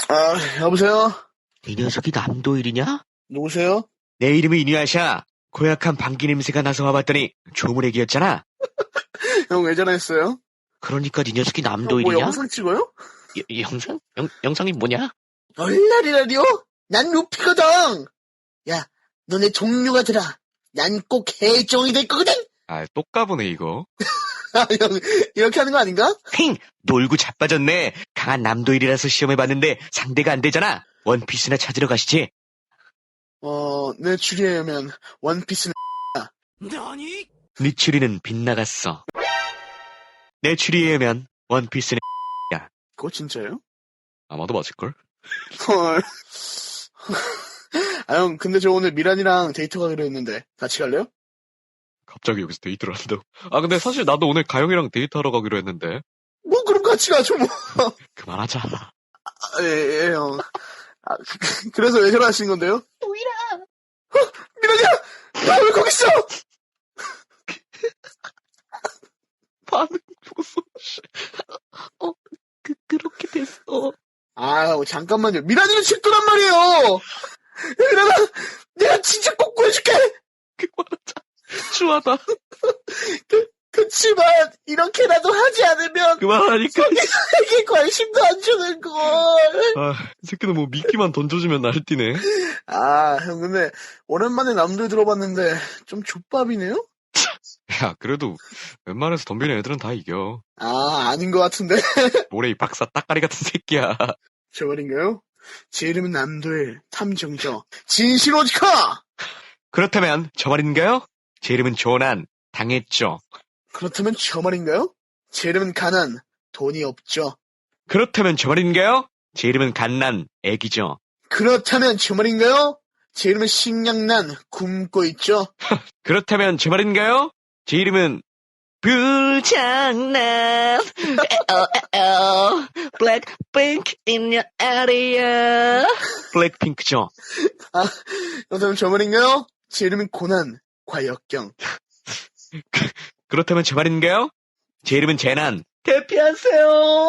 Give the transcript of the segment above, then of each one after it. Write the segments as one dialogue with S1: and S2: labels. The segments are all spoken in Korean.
S1: 여보세요?
S2: 이 녀석이 남도일이냐?
S1: 누구세요?
S2: 내 이름은 이누야샤. 고약한 방귀 냄새가 나서 와봤더니 조문애기였잖아.
S1: 형 왜 전화했어요?
S2: 그러니까 이 녀석이
S1: 형
S2: 남도일이냐?
S1: 뭐 영상 찍어요?
S2: 영상? 영상이 뭐냐?
S1: 얼라리라리요? 난 루피거든! 야, 너네 종류가 들어. 난 꼭 해적이 될 거거든!
S2: 똑까보네 이거.
S1: 형, 이렇게 하는 거 아닌가?
S2: 힝! 놀고 자빠졌네. 강한 남도일이라서 시험해봤는데 상대가 안 되잖아. 원피스나 찾으러 가시지.
S1: 내 추리에 의하면 원피스는
S2: 네 추리는 빗나갔어. 내 추리에 의하면 원피스는
S1: 그거 진짜예요?
S2: 아마도 맞을걸?
S1: 헐. 형, 근데 저 오늘 미란이랑 데이트 가기로 했는데 같이 갈래요?
S2: 갑자기 여기서 데이트를 한다고? 근데 사실 나도 오늘 가영이랑 데이트하러 가기로 했는데.
S1: 뭐 그럼 같이 가죠 뭐.
S2: 그만하자.
S1: 예, 형. 그래서 왜 전화하신 건데요?
S3: 도일아!
S1: 미란이야! 나 왜 거기 있어?
S2: 반응 보소. 그렇게 됐어.
S1: 잠깐만요. 미란이는 집도란 말이에요! 미란아! 내가 진짜 꼭 구해줄게!
S2: 그만하자. 추하다.
S1: 그치만, 이렇게라도 하지 않으면,
S2: 그만하니까.
S1: 서기사에게 관심도 안 주는 걸.
S2: 이 새끼는 뭐 미끼만 던져주면 날뛰네.
S1: 형, 근데, 오랜만에 남들 들어봤는데, 좀 족밥이네요?
S2: 야, 그래도 웬만해서 덤비는 애들은 다 이겨.
S1: 아닌 것 같은데.
S2: 모래 이 박사 따까리 같은 새끼야.
S1: 저 말인가요? 제 이름은 남도일, 탐정저, 진실오지카!
S2: 그렇다면 저 말인가요? 제 이름은 조난, 당했죠.
S1: 그렇다면 저 말인가요? 제 이름은 가난, 돈이 없죠.
S2: 그렇다면 저 말인가요? 제 이름은 갓난, 애기죠.
S1: 그렇다면 저 말인가요? 제 이름은 식량난, 굶고 있죠.
S2: 그렇다면 저 말인가요? 제 이름은 불장난. Blackpink in your area. 블랙핑크죠.
S1: 그렇다면 저 말인가요? 제 이름은 고난, 과역경.
S2: 그렇다면 저 말인가요? 제 이름은 재난. 대피하세요.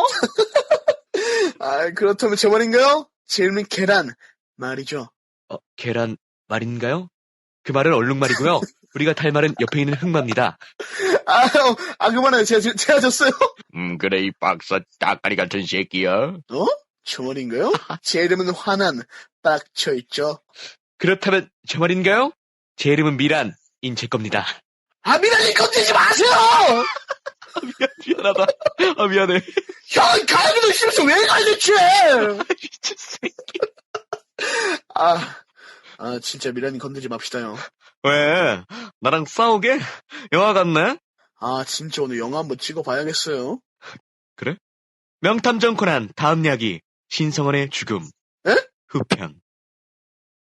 S1: 그렇다면 저 말인가요? 제 이름은 계란, 말이죠.
S2: 계란 말인가요? 그 말은 얼룩말이고요. 우리가 탈 말은 옆에 있는 흑마입니다.
S1: 형, 그만해요. 제가 졌어요.
S2: 그래, 이 박사 따까리 같은 새끼야.
S1: 저 말인가요? 제 이름은 화난, 빡쳐있죠.
S2: 그렇다면 저 말인가요? 제 이름은 미란인 제 겁니다.
S1: 미란이 건드리지 마세요!
S2: 미안하다. 미안해.
S1: 형, 가야기도 싫어서 왜 가야지?
S2: 미친 새끼.
S1: 진짜 미란이 건드리지 맙시다, 형.
S2: 왜? 나랑 싸우게? 영화 같네?
S1: 진짜 오늘 영화 한번 찍어봐야겠어요.
S2: 그래? 명탐정 코난 다음 이야기 신성원의 죽음.
S1: 에?
S2: 후편.